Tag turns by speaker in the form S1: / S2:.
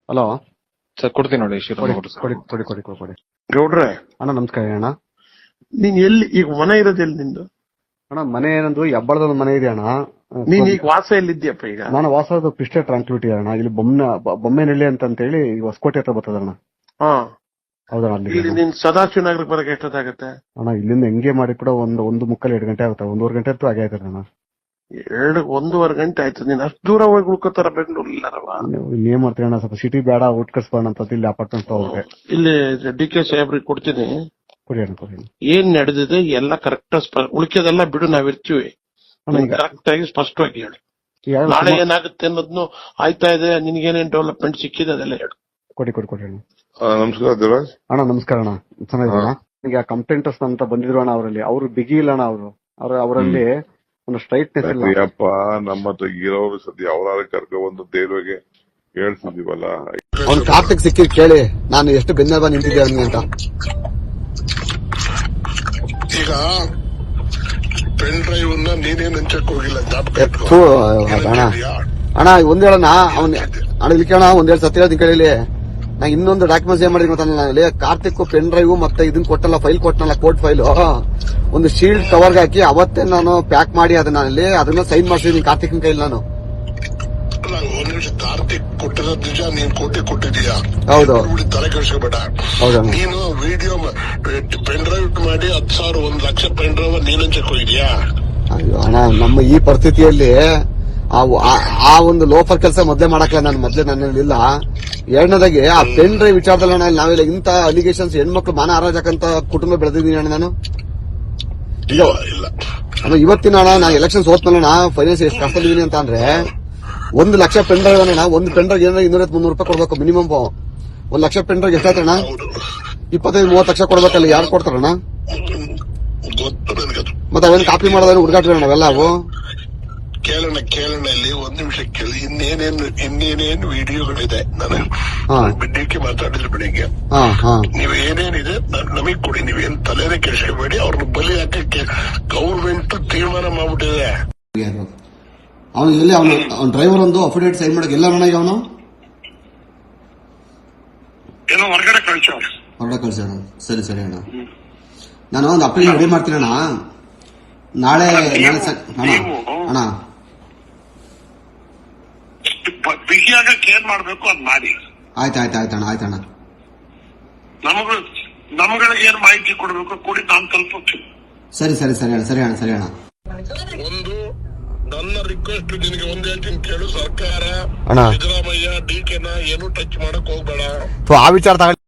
S1: Hello
S2: sir ಕೊಡ್ತೀನಿ ನೋಡಿ
S1: ಕೊಡಿ.
S3: ಗೌಡ್ರೆ
S1: ಅಣ್ಣ ನಮಸ್ಕಾರ ಅಣ್ಣ.
S3: ನೀನ್ ಎಲ್ಲಿ ಈಗ ಮನೆ ಇರೋದು ಎಲ್ಲಿ ನಿಂದು?
S1: ಅಣ್ಣ ಮನೆ ಏನಂದ್ರು ಹೆಬ್ಬಳದ ಒಂದು ಮನೆ ಇದೆ ಅಣ್ಣ.
S3: ನೀನ್ ಈಗ ವಾಸ ಎಲ್ಲಿದ್ಯಪ್ಪ ಈಗ?
S1: ನಾನು ವಾಸದ ಪಿಸ್ಟೆ ಟ್ರಾನ್ಕ್ವಿಟಿ ಅಣ್ಣ. ಇಲ್ಲಿ ಬೊಮ್ಮೆನಹಳ್ಳಿ ಅಂತ ಹೇಳಿ ಹೊಸಕೋಟೆ ಹತ್ರ ಬರ್ತದ ಅಣ್ಣ.
S3: ಹಾ
S1: ಹೌದಣ್ಣ.
S3: ಇಲ್ಲಿ
S1: ಅಲ್ಲಿ
S3: ನೀನ್ ಸದಾಶಿವ ನಗರಕ್ಕೆ ಬರಕ್ಕೆ ಎಷ್ಟೊತ್ತಾಗತ್ತೆ?
S1: ಅಣ್ಣ ಇಲ್ಲಿಂದ ಹೆಂಗೆ ಮಾಡಿ ಕೂಡ ಒಂದು ಮುಕ್ಕಲ್ 2 ಗಂಟೆ ಆಗುತ್ತೆ. 1.5 ಗಂಟೆ ಅಂತೂ ಆಗೇ ಆಯ್ತದೆ ಅಣ್ಣ.
S3: 1.5 ಗಂಟೆ ಆಯ್ತು. ನೀನ್ ಅಷ್ಟು ದೂರ ಹೋಗಿ ಉಳ್ಕೋತಾರ ಬೆಂಗಳೂರು ಇಲ್ಲಾರವ?
S1: ಇನ್ನೇನ್ ಮಾಡ್ತೀವಿ ಅಣ್ಣ, ಸ್ವಲ್ಪ ಸಿಟಿ ಬೇಡ, ಔಟ್ ಕಟ್ಸ್ಬೋಣ ಅಂತ ಇಲ್ಲಿ ಅಪಾರ್ಟ್ಮೆಂಟ್ ತಗೋಬೇಕು.
S3: ಇಲ್ಲಿ DK ಸಾಹೇಬ್ರಿಗೆ ಕೊಡ್ತೀನಿ.
S1: ಕೊಡಿ ಅಣ್ಣ ಕೊಡಿ.
S3: ಏನ್ ನಡೆದಿದೆ ಎಲ್ಲ ಕರೆಕ್ಟ್ ಉಳಿಕೆದೆಲ್ಲ ಬಿಡು, ನಾವಿರ್ತೀವಿ. ಕರೆಕ್ಟ್ ಆಗಿ ಸ್ಪಷ್ಟವಾಗಿ ಹೇಳು. ನಾಳೆ ಏನಾಗುತ್ತೆ ಅನ್ನೋದ್ನು ಆಯ್ತಾ ಇದೆ, ನಿನ್ಗೇನೇನ್ ಡೆವಲಪ್ಮೆಂಟ್ ಸಿಕ್ಕಿದೆ ಅದೆಲ್ಲ ಹೇಳು.
S1: ಕೊಡಿ ಅಣ್ಣ.
S4: ನಮಸ್ಕಾರ ದೇವರಾಜ್
S1: ಅಣ್ಣ ನಮಸ್ಕಾರ ಅಣ್ಣ. ಚೆನ್ನಾಗಿದ್ದೀರಾ? ಈಗ ಕಂಪ್ಲೇಂಟರ್ಸ್ ಅಂತ ಬಂದಿದ್ರು ಅಣ್ಣ. ಅವರಲ್ಲಿ ಅವರು ಬಿಗಿ ಇಲ್ಲ ಅಣ್ಣ. ಅವರಲ್ಲಿ ಒಂದು ಸ್ಟ್ರೈಟ್ನೆಸ್ ಇಲ್ಲ.
S4: ಅಯ್ಯಪ್ಪ, ನಮ್ಮ ಹತ್ರ ಇರೋರು ಸದ್ಯ ಅವರಾರ ಕರ್ಕೊಂಡ್ಬಂದು ದೇವ್ರಿಗೆ ಹೇಳ್ತಿದೀವಲ್ಲ.
S5: ಅವ್ನು ಕಾರ್ತಿಕ್ ಸಿಕ್ಕಿದ್ ಕೇಳಿ ನಾನು ಎಷ್ಟು ಬೆನ್ನೆಲುಬ ನಿಂತಿದ್ದೆ ಅವನಿಗೆ ಅಂತ.
S6: ಈಗ ಪೆನ್ ಡ್ರೈವ್ ನೀನೇನ್ ಹಂಚಕ್ ಹೋಗಿಲ್ಲ,
S5: ಅಣ್ಣ ಒಂದ್ ಹೇಳಣ್ಣ. ಅಣ್ಣ ಇಲ್ಲಿ ಕೇಳೋಣ, ಒಂದ್ ಸತ್ಯ ಹೇಳ್ತೀನಿ ಕೇಳಿ. ನಾ ಇನ್ನೊಂದು ಡಾಕ್ಯುಮೆಂಟ್ಸ್ ಏನ್ ಮಾಡಿದೀನಿ ಗೊತ್ತಾಗಲ್ಲ. ಕಾರ್ತಿಕ್ ಪೆನ್ ಡ್ರೈವ್ ಮತ್ತೆ ಇದನ್ ಕೊಟ್ಟಲ್ಲ, ಫೈಲ್ ಕೊಟ್ಟನಲ್ಲ, ಕೋರ್ಟ್ ಫೈಲ್, ಒಂದು ಶೀಲ್ಡ್ ಕವರ್ಗೆ ಹಾಕಿ ಅವತ್ತೇ ನಾನು ಪ್ಯಾಕ್ ಮಾಡಿ ಅದನ್ನ ಸೈನ್ ಮಾಡ್ಸಿದೀನಿ ಕಾರ್ತಿಕ್ನ ಕೈಲಿ ನಾನು.
S6: ಒಂದ್ ನಿಮಿಷ, ಕಾರ್ತಿಕ್ ಕೊಟ್ಟಿರೋದ್ ನಿಜ, ನೀನ್ ಕೊಟ್ಟಿದೀಯಾ?
S5: ಹೌದು.
S6: ತಲೆ ಕೆಡಿಸ್ಕೋಬೇಡ. ನೀನು ವಿಡಿಯೋ ಪೆನ್ ಡ್ರೈವ್ ಮಾಡಿ 10,000 1 ಲಕ್ಷ ಪೆನ್ ಡ್ರೈವ್ ನೀನ್ ಹಂಚಕ್ ಹೋಗಿದ್ಯಾ?
S5: ಅಯ್ಯೋ ಅಣ್ಣ, ನಮ್ಮ ಈ ಪರಿಸ್ಥಿತಿಯಲ್ಲಿ ಆ ಒಂದು ಲೋಫರ್ ಕೆಲಸ ಮೊದ್ಲೇ ಮಾಡಕ್ಲ ನಾನು. ಮೊದ್ಲೇ ನನ್ನಿಲ್ಲ. ಎರಡನೇದಾಗಿ ಆ ಪೆನ್ ಡ್ರೈವ್ ವಿಚಾರದಲ್ಲಿ ಅಣ್ಣ, ನಾವೆಲ್ಲ ಇಂತ ಅಲಿಗೇಷನ್ಸ್ ಹೆಣ್ಮಕ್ಳು ಮಾನ ಹಾರಾಜಕಂತ ಕುಟುಂಬ ಬೆಳೆದಿದ್ದೀನಿ ಅಣ್ಣ ನಾನು. ಇಲ್ಲ ಇವತ್ತಿನ ಅಣ್ಣ, ನಾನು ಎಲೆಕ್ಷನ್ ಸೋತ್ಮೇಲೆ ಫೈನಾನ್ಸ್ ಎಷ್ಟು ಕಷ್ಟದಿದ್ದೀನಿ ಅಂತ ಅಂದ್ರೆ 1 ಲಕ್ಷ ಪೆನ್ ಡ್ರೈವ್ ಅಣ್ಣ. ಒಂದು ಪೆನ್ ಡ್ರೈವ್ ಏನಾರ 200-300 ರೂಪಾಯಿ ಕೊಡ್ಬೇಕು ಮಿನಿಮಮ್. 1 ಲಕ್ಷ ಪೆನ್ ಡ್ರೈವ್ ಎಷ್ಟಾಯ್ತಣ್ಣ? 25-30 ಲಕ್ಷ ಕೊಡ್ಬೇಕಲ್ಲ. ಯಾರು ಕೊಡ್ತಾರಣ್ಣ? ಮತ್ತೆ ಅವೇನು ಕಾಪಿ ಮಾಡೋದೇನು ಹುಡುಗಾಟ್ರಿ ಅಣ್ಣ ಅವೆಲ್ಲ ಅವು.
S6: ಕೇಳೋಣ ಇಲ್ಲಿ 1 ನಿಮಿಷ ಕೇಳಿ. ಇನ್ನೇನೇನು ವಿಡಿಯೋಗಳಿದೆ, ನಾನು ಬಿಡ್ಡಿಕ್ಕೆ ಮಾತಾಡಿದ್ರೆ ಬೆಳಿಗ್ಗೆ. ನೀವು ಏನೇನಿದೆ ನಮಗ್ ಕೊಡಿ, ನೀವೇನ್ ತಲೆನೇ ಕೆಡಿಸ್ಕೋಬೇಡಿ. ಅವ್ರನ್ನ ಬಲಿ ಹಾಕಕ್ಕೆ ಗೌರ್ಮೆಂಟ್ ತೀರ್ಮಾನ ಮಾಡ್ಬಿಟ್ಟಿದೆ.
S5: ಅವನು ಎಲ್ಲಿ ಅವನು ಡ್ರೈವರ್ ಒಂದು ಅಫಿಡೇವಿಟ್ ಸೈನ್ ಮಾಡಕ್ಕೆ ಎಲ್ಲ ಅಣ್ಣ. ಈಗ ಅವನು
S6: ಏನೋ ಹೊರಗಡೆ
S5: ಕಳ್ಸ. ಸರಿ ಅಣ್ಣ, ನಾನು ಒಂದು ಅಪ್ಲಿಕೇಶನ್ ರೆಡಿ ಮಾಡ್ತೀನಿ ಅಣ್ಣ. ನಾಳೆ ಅಣ್ಣ
S6: ಬಿಗಿಯಾಗಕ್ಕೆ ಏನ್ ಮಾಡ್ಬೇಕು ಅದ್ ಮಾಡಿ.
S5: ಆಯ್ತಣ್ಣ.
S6: ನಮ್ಗಳಿಗೆ ಏನ್ ಮಾಹಿತಿ ಕೊಡ್ಬೇಕು ಕೊಡಿ, ನಾನ್ ತಲುಪುತ್ತೀನಿ.
S5: ಸರಿ ಅಣ್ಣ.
S6: ಒಂದು ನನ್ನ ರಿಕ್ವೆಸ್ಟ್ ನಿನಗೆ ಒಂದ್ ಹೇಳ್ತೀನಿ ಕೇಳು. ಸರ್ಕಾರ
S5: ಅಣ್ಣ
S6: ಸಿದ್ದರಾಮಯ್ಯ DK ಏನು ಟಚ್ ಮಾಡಕ್ ಹೋಗ್ಬೇಡ.
S5: ಆ ವಿಚಾರ